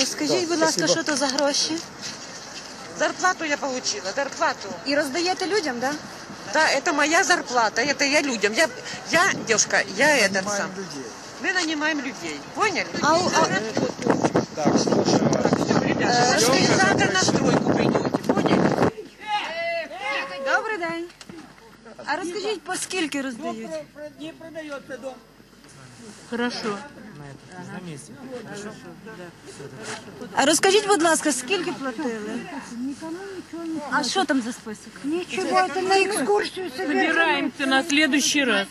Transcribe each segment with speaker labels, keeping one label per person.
Speaker 1: Скажіть, будь ласка, що це за гроші?
Speaker 2: Зарплату я получила, зарплату.
Speaker 1: І роздаєте людям, так?
Speaker 2: Да, это моя зарплата, это я людям. Девушка, я этот сам. Мы нанимаем людей, поняли?
Speaker 3: Так, слушаю вас.
Speaker 2: Ребята, завтра на стройку придете, поняли?
Speaker 1: Добрий день. А розкажіть, по скільки роздають?
Speaker 4: Не продается дом.
Speaker 1: Хорошо. А розкажіть, будь ласка, скільки платили? А що там за список?
Speaker 5: Ничего, это на экскурсию
Speaker 6: Собираемся на следующий раз.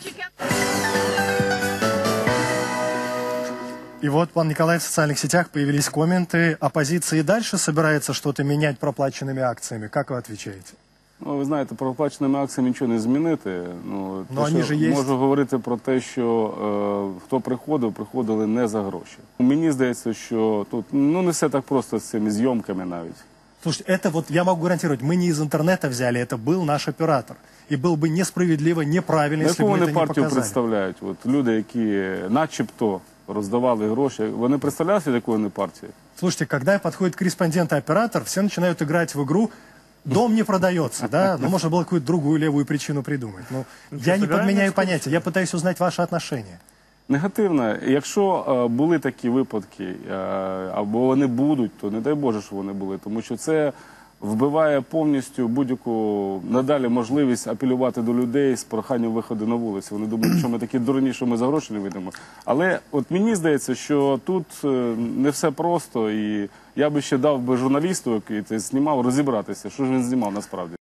Speaker 3: И вот, пан Николай, в социальных сетях появились комменты. Оппозиция и дальше собирается что-то менять проплаченными акциями. Как вы отвечаете?
Speaker 7: Ну, ви знаєте, проплаченими акціями нічого не змінити. Ну,
Speaker 3: вони ж є.
Speaker 7: Можу говорити про те, що хто приходили не за гроші. Мені здається, що тут не все так просто з цими зйомками навіть.
Speaker 3: Слушайте, это вот я могу гарантировать, мы не из интернета взяли, это был наш оператор. И было бы несправедливо, неправильно, если бы
Speaker 7: Яку
Speaker 3: это
Speaker 7: вони
Speaker 3: не
Speaker 7: партію
Speaker 3: показали.
Speaker 7: представляють? От люди, які начебто роздавали гроші, вони представляють від якої вони партії?
Speaker 3: Слушайте, когда подходит корреспондент и оператор, все начинают играть в игру «дом не продается», да? Ну, можно было какую-то другую левую причину придумать. Ну, я не подменяю понятия, я пытаюсь узнать ваши отношения.
Speaker 7: Негативно. Якщо були такі випадки, або вони будуть, то не дай Боже, що вони були. Тому що це вбиває повністю будь-яку надалі можливість апелювати до людей з проханням виходу на вулицю. Вони думають, що ми такі дурні, що ми за гроші не вийдемо. Але от мені здається, що тут не все просто. І я би ще дав журналісту, який це знімав, розібратися, що ж він знімав насправді.